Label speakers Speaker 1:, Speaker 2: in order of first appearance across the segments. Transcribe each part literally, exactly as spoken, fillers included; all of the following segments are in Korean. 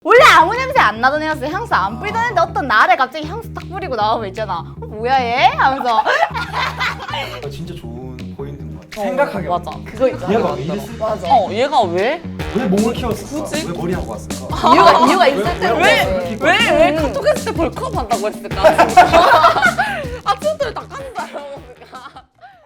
Speaker 1: 원래 아무 냄새 안 나던 애였어. 향수 안 뿌리던 애인데 어떤 날에 갑자기 향수 딱 뿌리고 나오면 있잖아. 어, 뭐야 얘? 하면서.
Speaker 2: 아, 진짜 좋은 포인트인 것 같아. 생각하게
Speaker 3: 맞아.
Speaker 2: 만드는
Speaker 1: 그거 있잖아.
Speaker 2: 얘가 왜 이랬을까?
Speaker 1: 맞아.
Speaker 3: 어, 얘가 왜?
Speaker 2: 왜 몸을 키웠을까?
Speaker 3: 굳이?
Speaker 2: 왜 머리하고 왔을까?
Speaker 1: 이유가 이유가 있을
Speaker 2: 왜-
Speaker 1: 때로.
Speaker 2: 왜-
Speaker 1: 그래.
Speaker 2: 왜-
Speaker 3: 왜, 왜 카톡 했을 때 벌크업 한다고 했을까? 아침부터 다 깐다 이러고 있을까?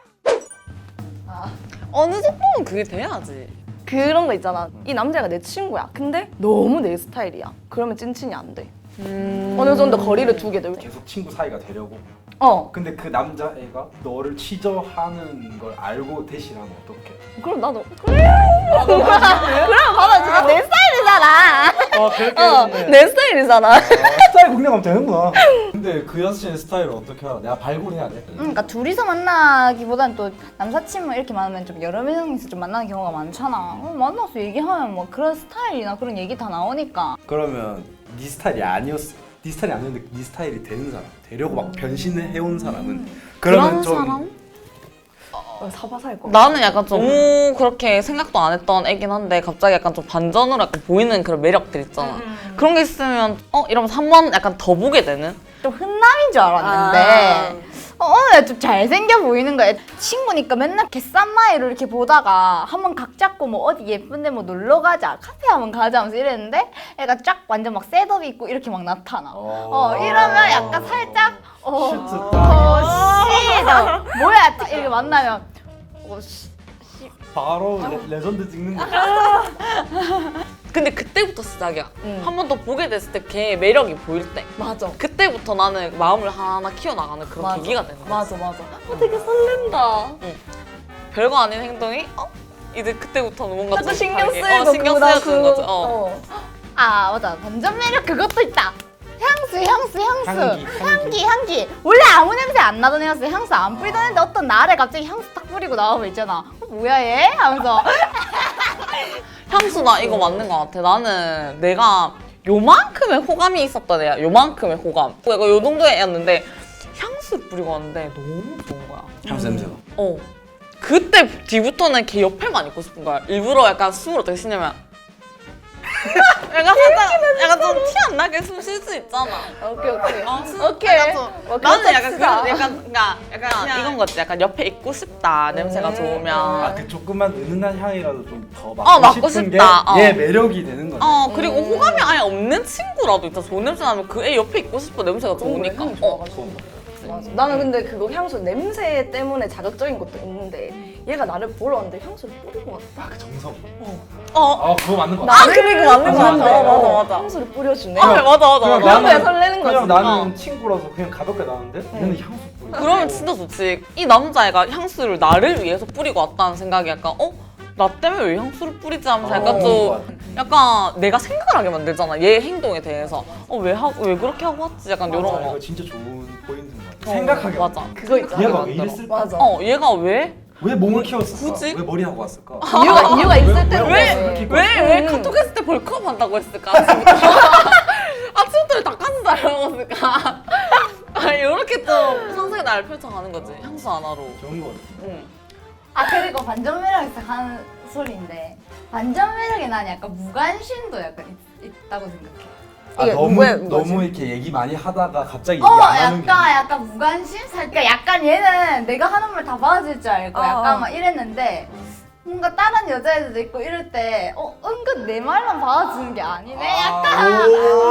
Speaker 3: 어느 정도는 그게 돼야지.
Speaker 4: 그런 거 있잖아. 이 남자가 내 친구야. 근데 너무 내 스타일이야. 그러면 찐친이 안 돼.
Speaker 3: 음...
Speaker 4: 어느 정도 거리를 두게 돼.
Speaker 2: 계속 친구 사이가 되려고.
Speaker 4: 어.
Speaker 2: 근데 그 남자애가 너를 취저하는 걸 알고 대신하면 어떡해?
Speaker 4: 그럼 나도
Speaker 1: 그럼 봐봐 진짜 내 스타일이잖아.
Speaker 2: 아 그렇게
Speaker 4: 어, 내 스타일이잖아.
Speaker 2: 스타일 공략하면 되는구나. 근데 그 여자친구의 스타일을 어떻게 알아? 내가 발굴해야 돼.
Speaker 1: 음, 그러니까 둘이서 만나기보단 또 남사친 이렇게 많으면 좀 여러 명이서 좀 만나는 경우가 많잖아. 어, 만나서 얘기하면 뭐 그런 스타일이나 그런 얘기 다 나오니까.
Speaker 2: 그러면 네 스타일이 아니었어. 네 스타일이 아니었는데 네 스타일이 되는 사람, 되려고 막 변신을 해온 사람은 그러면
Speaker 3: 그런
Speaker 2: 좀
Speaker 3: 사람?
Speaker 4: 어, 사바사일 거.
Speaker 3: 나는 약간 좀 너무 그렇게 생각도 안 했던 애긴 한데 갑자기 약간 좀 반전으로 약간 보이는 그런 매력들 있잖아. 그런 게 있으면 어? 이러면서 한 번 약간 더 보게 되는?
Speaker 1: 좀 흔남인 줄 알았는데 어, 어느 날 좀 잘생겨 보이는 거야. 친구니까 맨날 개쌈마이로 이렇게 보다가 한번 각 잡고 뭐 어디 예쁜데 뭐 놀러 가자, 카페 한번 가자 하면서 이랬는데 애가 쫙 완전 막 셋업 있고 이렇게 막 나타나. 어, 이러면 약간 살짝 어,
Speaker 2: 슈트
Speaker 1: 어,
Speaker 2: 딱
Speaker 1: 씨, 나 뭐야 딱 이렇게 만나면 어, 씨,
Speaker 2: 바로 레, 레전드 찍는 거야.
Speaker 3: 근데 그때부터 시작이야.
Speaker 4: 응.
Speaker 3: 한 번 더 보게 됐을 때 걔의 매력이 보일 때
Speaker 4: 맞아.
Speaker 3: 그때부터 나는 마음을 하나 키워나가는 그런
Speaker 4: 맞아.
Speaker 3: 계기가 되는 거야.
Speaker 4: 맞아 맞아. 어, 되게 설렌다.
Speaker 3: 별거 아닌 행동이 어? 이제 그때부터는 뭔가
Speaker 4: 자꾸
Speaker 3: 좀
Speaker 4: 신경
Speaker 3: 다르게,
Speaker 4: 쓰이고
Speaker 3: 어, 신경
Speaker 4: 그거다,
Speaker 3: 쓰여주는
Speaker 4: 그-
Speaker 3: 거죠. 어.
Speaker 4: 어.
Speaker 1: 아 맞아 반전 매력 그것도 있다. 향수 향수 향수
Speaker 2: 향기, 향기.
Speaker 1: 향기 향기 원래 아무 냄새 안 나던 애였어. 향수 안 뿌리던 애인데 어떤 날에 갑자기 향수 딱 뿌리고 나오면 있잖아. 어, 뭐야 얘? 하면서
Speaker 3: 향수 나 이거 맞는 것 같아. 나는 내가 요만큼의 호감이 있었던 애야. 요만큼의 호감. 내가 요 정도의 애였는데 향수 뿌리고 왔는데 너무 좋은 거야.
Speaker 2: 향수 냄새가.
Speaker 3: 어. 그때 뒤부터는 걔 옆에만 있고 싶은 거야. 일부러 약간 숨을 어떻게 쉬냐면 약간 살짝 약간 좀 티 안 나게 숨 쉴 수 있잖아.
Speaker 4: 오케이 오케이.
Speaker 3: 어, 숨-
Speaker 4: 오케이.
Speaker 3: 약간 좀,
Speaker 4: 뭐
Speaker 3: 나는
Speaker 4: 그렇다
Speaker 3: 약간
Speaker 4: 치자.
Speaker 3: 그런 약간 그러니까 약간 이건 거지. 약간 옆에 있고 싶다. 냄새가
Speaker 4: 음.
Speaker 3: 좋으면.
Speaker 2: 아 그 조금만 은은한 향이라도 좀 더 맡고,
Speaker 3: 어, 맡고
Speaker 2: 싶은
Speaker 3: 싶다. 어.
Speaker 2: 게 얘 매력이 되는 거네.
Speaker 3: 어 그리고 호감이 아예 없는 친구라도 있다. 좋은 냄새 나면 그 애 옆에 있고 싶어. 냄새가 좋으니까.
Speaker 4: 향이
Speaker 3: 어.
Speaker 4: 좋아가지고. 맞아. 나는 근데 그거 향수 냄새 때문에 자극적인 것도 있는데 얘가 나를 보러 왔는데 향수를 뿌리고 왔다.
Speaker 2: 아, 그 정성.
Speaker 3: 어.
Speaker 2: 아 그거 맞는 거
Speaker 4: 나-
Speaker 2: 같아.
Speaker 3: 아 그래 그 맞는 거
Speaker 2: 맞아,
Speaker 3: 같아.
Speaker 2: 맞아,
Speaker 3: 맞아 맞아.
Speaker 4: 향수를 뿌려주네.
Speaker 3: 아 맞아 맞아
Speaker 2: 그냥
Speaker 3: 맞아.
Speaker 4: 나는- 설레는 거지.
Speaker 2: 그냥 나는
Speaker 3: 어.
Speaker 2: 친구라서 그냥 가볍게 나는데 얘는 향수 뿌려.
Speaker 3: 그러면 진짜 좋지. 이 남자애가 향수를 나를 위해서 뿌리고 왔다는 생각이 약간 어? 나 때문에 왜 향수를 뿌리지 하면서 약간
Speaker 2: 어,
Speaker 3: 좀 약간 내가 생각을 하게 만들잖아. 얘 행동에 대해서. 어 왜 하고 왜 그렇게 하고 왔지? 약간 이런
Speaker 2: 맞아,
Speaker 3: 거.
Speaker 2: 이거 진짜 좋은 포인트인 것 같아.
Speaker 3: 어,
Speaker 2: 생각하게
Speaker 3: 맞아.
Speaker 2: 만드는
Speaker 4: 그거 있잖아.
Speaker 2: 얘가 왜
Speaker 3: 만들어.
Speaker 2: 이랬을까?
Speaker 4: 맞아.
Speaker 3: 어 얘가 왜?
Speaker 2: 왜 몸을 키웠을까?
Speaker 3: 굳이?
Speaker 2: 왜 머리하고 왔을까?
Speaker 4: 이유가 이유가 있을
Speaker 2: 왜-
Speaker 4: 때로.
Speaker 2: 왜-
Speaker 4: 그래.
Speaker 2: 왜 이렇게
Speaker 3: 왜 왜
Speaker 4: 음.
Speaker 3: 카톡 했을 때 벌크업 한다고 했을까? 아침부터 아침부터 다 깐다 이러고 있을까? 아 이렇게 좀 상상의 나를 펼쳐가는 거지. 향수 하나로.
Speaker 2: 좋은 거 같아.
Speaker 3: 응.
Speaker 1: 아 그리고 반전 매력에서 하는 소리인데 반전 매력에 난 약간 무관심도 약간 있, 있다고 생각해.
Speaker 2: 아,
Speaker 4: 이게
Speaker 2: 너무
Speaker 4: 누구의 거지?
Speaker 2: 너무 이렇게 얘기 많이 하다가 갑자기
Speaker 1: 어
Speaker 2: 얘기 안 하는 게.
Speaker 1: 약간 약간 무관심? 그러니까 약간 얘는 내가 하는 말 다 받아줄 줄 알고
Speaker 4: 어.
Speaker 1: 약간 막 이랬는데 뭔가 다른 여자애들도 있고 이럴 때 어 은근 내 말만 받아주는 게 아니네 약간
Speaker 2: 아,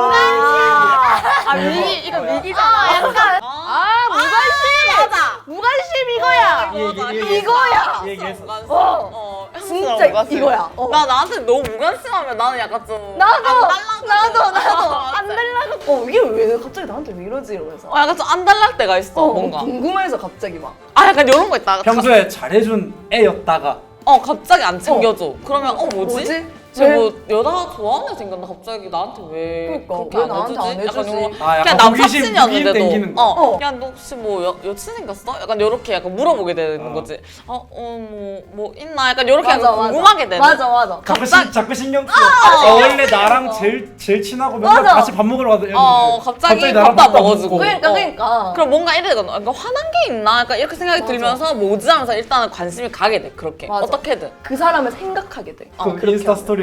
Speaker 2: 오.
Speaker 3: 아 위기 이거
Speaker 2: 어, 야.
Speaker 3: 위기잖아.
Speaker 1: 아 약간
Speaker 3: 아,
Speaker 1: 무관심!
Speaker 3: 맞아.
Speaker 1: 무관심 이거야!
Speaker 2: 이 얘기, 이 얘기
Speaker 1: 이거야!
Speaker 2: 이 얘기했어.
Speaker 3: 무관심.
Speaker 4: 어.
Speaker 3: 어,
Speaker 4: 진짜
Speaker 3: 무관심.
Speaker 4: 이거야. 어.
Speaker 3: 나 나한테 너무 무관심하면 나는 약간 좀
Speaker 4: 나도
Speaker 3: 안 달라고.
Speaker 4: 나도 나도
Speaker 3: 어,
Speaker 4: 안 달라고. 어 이게 왜 갑자기 나한테 왜 이러지 이러면서.
Speaker 3: 어, 약간 좀 안 달랄 때가 있어
Speaker 4: 어,
Speaker 3: 뭔가.
Speaker 4: 궁금해서 갑자기 막.
Speaker 3: 아 약간 이런 거 있다.
Speaker 2: 평소에 잘해준 애였다가
Speaker 3: 어 갑자기 안 챙겨줘. 그러면 어 뭐지?
Speaker 4: 뭐지?
Speaker 3: 쟤뭐 여자 좋아하는 애 생겼나 갑자기 나한테 왜
Speaker 4: 그러니까,
Speaker 3: 그렇게
Speaker 4: 왜
Speaker 3: 안
Speaker 4: 나한테
Speaker 3: 해주지?
Speaker 4: 안
Speaker 3: 약간
Speaker 4: 해주지?
Speaker 3: 요런 거.
Speaker 2: 아, 약간
Speaker 3: 그냥
Speaker 2: 호기심,
Speaker 3: 남사친이었는데도
Speaker 2: 호기심 땡기는 거.
Speaker 3: 어,
Speaker 4: 어.
Speaker 3: 야 너 혹시 뭐 여, 여친 생겼어? 약간 요렇게 약간 물어보게 되는
Speaker 2: 어.
Speaker 3: 거지. 어어뭐뭐 뭐 있나? 약간 요렇게
Speaker 4: 맞아,
Speaker 3: 약간
Speaker 4: 맞아.
Speaker 3: 궁금하게 되는.
Speaker 4: 맞아 맞아.
Speaker 2: 자꾸,
Speaker 3: 갑자기-
Speaker 2: 신, 자꾸 신경 쓰여. 어, 원래 나랑 제일 제일 친하고 맨날
Speaker 4: 맞아.
Speaker 2: 같이 밥 먹으러 가도
Speaker 3: 어 갑자기
Speaker 2: 나랑
Speaker 3: 밥도 안
Speaker 2: 밥도 안
Speaker 3: 먹어주고.
Speaker 2: 먹고.
Speaker 4: 그러니까
Speaker 3: 어.
Speaker 4: 그러니까.
Speaker 3: 그럼 뭔가 이래거든. 그러니까 화난 게 있나? 약간 이렇게 생각이
Speaker 4: 맞아.
Speaker 3: 들면서 뭐지 하면서 일단은 관심이 가게 돼. 그렇게
Speaker 4: 맞아.
Speaker 3: 어떻게든.
Speaker 4: 그 사람을 생각하게 돼.
Speaker 3: 어,
Speaker 2: 그
Speaker 3: 그렇게
Speaker 2: 인스타
Speaker 3: 하고.
Speaker 2: 스토리에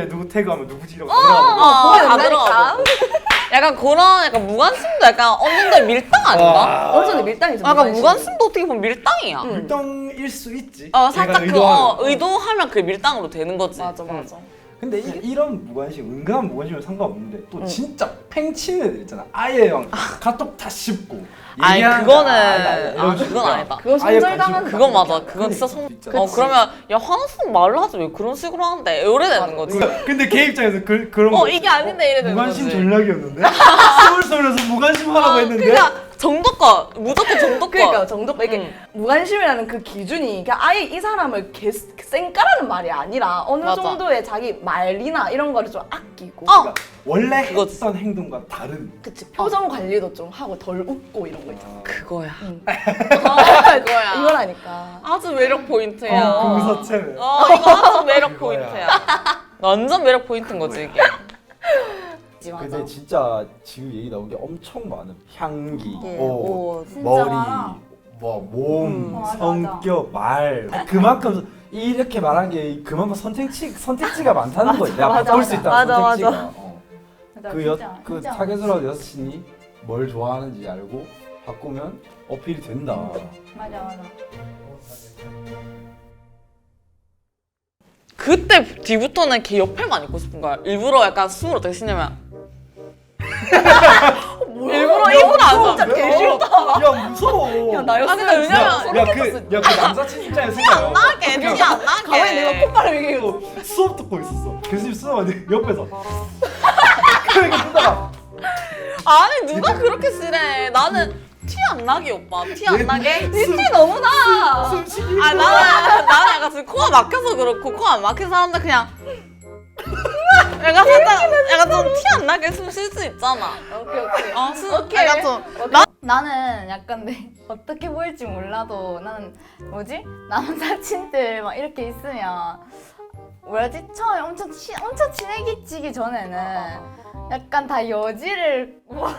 Speaker 2: 스토리에 누구 태그하면 누구 지려고
Speaker 3: 어,
Speaker 2: 들어가고.
Speaker 4: 보면
Speaker 3: 다
Speaker 4: 된다니까.
Speaker 3: 들어가고. 약간 그런 약간 무관심도 약간 어느 정도 밀당 아닌가?
Speaker 4: 어느 정도 밀당이죠.
Speaker 3: 약간 무관심도 어떻게 보면 밀당이야.
Speaker 4: 응.
Speaker 2: 밀당일 수 있지.
Speaker 3: 어 살짝
Speaker 2: 얘가
Speaker 3: 그 어,
Speaker 2: 의도하면.
Speaker 3: 의도하면 그게 밀당으로 되는 거지.
Speaker 4: 맞아
Speaker 3: 응.
Speaker 4: 맞아.
Speaker 2: 근데 이, 이런 무관심, 은근한 무관심은 상관없는데 또
Speaker 4: 응.
Speaker 2: 진짜 팽치는 애들 있잖아. 아예 막 카톡 다 씹고.
Speaker 3: 아니
Speaker 2: 얘기하는
Speaker 3: 그거는
Speaker 2: 거 아니다, 이런
Speaker 3: 아
Speaker 2: 식으로.
Speaker 3: 그건 아니다.
Speaker 4: 그건
Speaker 2: 아예
Speaker 4: 손절당한
Speaker 2: 관심-
Speaker 3: 그건 맞아. 그건 진짜 손.
Speaker 2: 진짜.
Speaker 3: 어 그러면 야 화났으면 말로 하지 왜 그런 식으로 하는데 이래 되는 거지.
Speaker 2: 그- 근데 걔 입장에서 그, 그런
Speaker 3: 어
Speaker 2: 거
Speaker 3: 이게 아닌데 이래 되는
Speaker 2: 무관심
Speaker 3: 거지.
Speaker 2: 전략이었는데? 스물 살에서 무관심 하라고 했는데?
Speaker 3: 그러니까 정도껏 무조건 정도껏.
Speaker 4: 그러니까 정도껏 이게
Speaker 3: 응.
Speaker 4: 무관심이라는 그 기준이 그냥 아예 이 사람을 개, 쌩까라는 말이 아니라 어느
Speaker 3: 맞아.
Speaker 4: 정도의 자기 말이나 이런 거를 좀 아끼고
Speaker 3: 어.
Speaker 2: 그러니까 원래
Speaker 3: 그거지.
Speaker 2: 했던 행동과 다른
Speaker 4: 그치 표정 관리도 좀 하고 덜 웃고 이런 거 있잖아.
Speaker 3: 그거야.
Speaker 4: 응.
Speaker 3: 그거야.
Speaker 4: 이거라니까.
Speaker 3: 아주 매력 포인트야.
Speaker 2: 어, 금서체네.
Speaker 3: 어 이거 아주 매력
Speaker 2: 그거야.
Speaker 3: 포인트야. 완전 매력 포인트인 거지 이게.
Speaker 2: 근데 진짜 지금 얘기 나온 게 엄청 많은 향기,
Speaker 4: 예,
Speaker 2: 옷,
Speaker 4: 옷.
Speaker 1: 진짜
Speaker 2: 머리,
Speaker 1: 많아.
Speaker 2: 뭐 몸,
Speaker 1: 음. 맞아,
Speaker 2: 성격, 말 그만큼 이렇게 말한 게 그만큼 선택지 선택지가 많다는 거야. 내가
Speaker 4: 맞아,
Speaker 2: 바꿀 수
Speaker 4: 맞아.
Speaker 2: 있다는
Speaker 4: 맞아,
Speaker 2: 선택지가.
Speaker 4: 맞아.
Speaker 2: 어.
Speaker 1: 맞아,
Speaker 2: 그,
Speaker 1: 진짜,
Speaker 2: 여, 그
Speaker 1: 진짜.
Speaker 2: 타겟으로 여사친이 뭘 좋아하는지 알고 바꾸면 어필이 된다.
Speaker 1: 맞아 맞아.
Speaker 3: 그때 뒤부터는 걔 옆에만 있고 싶은 거야. 일부러 약간 숨을 어떻게 쉬냐면 일부러 입을 안 써.
Speaker 4: 진짜 개 싫다.
Speaker 2: 야 무서워.
Speaker 4: 야
Speaker 3: 아
Speaker 4: 나였으면
Speaker 3: 근데 왜냐면
Speaker 4: 진짜
Speaker 2: 야그 야 그 남사친 입장에서 생각해.
Speaker 3: 안 나게 눈이 안 나게.
Speaker 4: 가만히 내가 콧바람 이게
Speaker 2: 수업 듣고 있었어. 교수님 수업하는데 옆에서 그렇게 듣다가
Speaker 3: 아니 누가 그렇게 쓰래. 나는 티 안 나게 오빠. 티 안 나게.
Speaker 2: 숨-
Speaker 4: 티 너무 나.
Speaker 2: 숨쉬기
Speaker 3: 아 나는 나는 약간 지금 코가 막혀서 그렇고 코 안 막힌 사람들 그냥 약간 살짝 약간 좀 티 안 나게 숨 쉴 수 있잖아.
Speaker 4: 오케이 오케이.
Speaker 3: 어, 숨
Speaker 4: 오케이.
Speaker 3: 약간 좀
Speaker 1: 나는 약간 내 어떻게 보일지 몰라도 나는 뭐지 남사친들 막 이렇게 있으면 뭐라지 처음에 엄청 치, 엄청 친해지기 전에는 약간 다 여지를 뭐라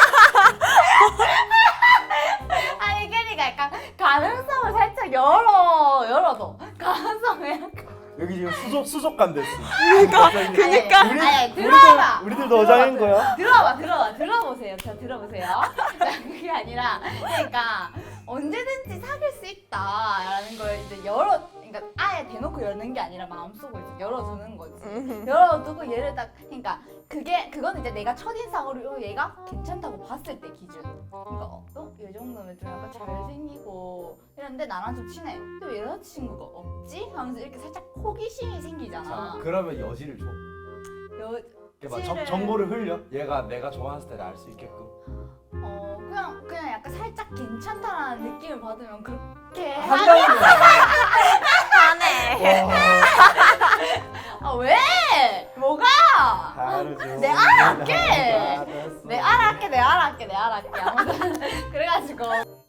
Speaker 1: 아니 그러니까 약간 가능성을 살짝 열어 열어도 가능성을 약간
Speaker 2: 여기 지금 수족 수족관 됐어.
Speaker 1: 그니까
Speaker 2: 우리-
Speaker 1: 아니 들어봐
Speaker 2: 우리들 우리들도 어장인 거야?
Speaker 1: 들어봐 들어봐 들어보세요 자 들어보세요 그게 아니라 그러니까 언제든지 사귈 수 있다라는 걸 이제 열어 그러니까 아예 대놓고 여는 게 아니라 마음속으로 이제 열어두는 거지 열어두고 얘를 딱 그러니까 그게 그건 이제 내가 첫인상으로 얘가 괜찮다고 봤을 때 기준 그러니까 어, 어? 이 정도면 좀 약간 잘생기고 이랬는데 나랑 좀 친해 왜 여자친구가 없지? 하면서 이렇게 살짝 호기심이 생기잖아
Speaker 2: 자, 그러면 여지를 줘.
Speaker 1: 여,
Speaker 2: 이렇게 막
Speaker 1: 여지를-
Speaker 2: 정, 정보를 흘려. 얘가 내가 좋아하는 스타일을 알 수 있게끔.
Speaker 1: 어 그냥 그냥 약간 살짝 괜찮다라는 느낌을 받으면 그렇게
Speaker 2: 한다는 거야.
Speaker 1: 하네.
Speaker 2: 와,
Speaker 1: 아 왜? 뭐가?
Speaker 2: 다르죠.
Speaker 1: 내 알아할게.
Speaker 2: 알았어.
Speaker 1: 내 알아할게 내 알아할게 내 알아할게 아무튼 그래가지고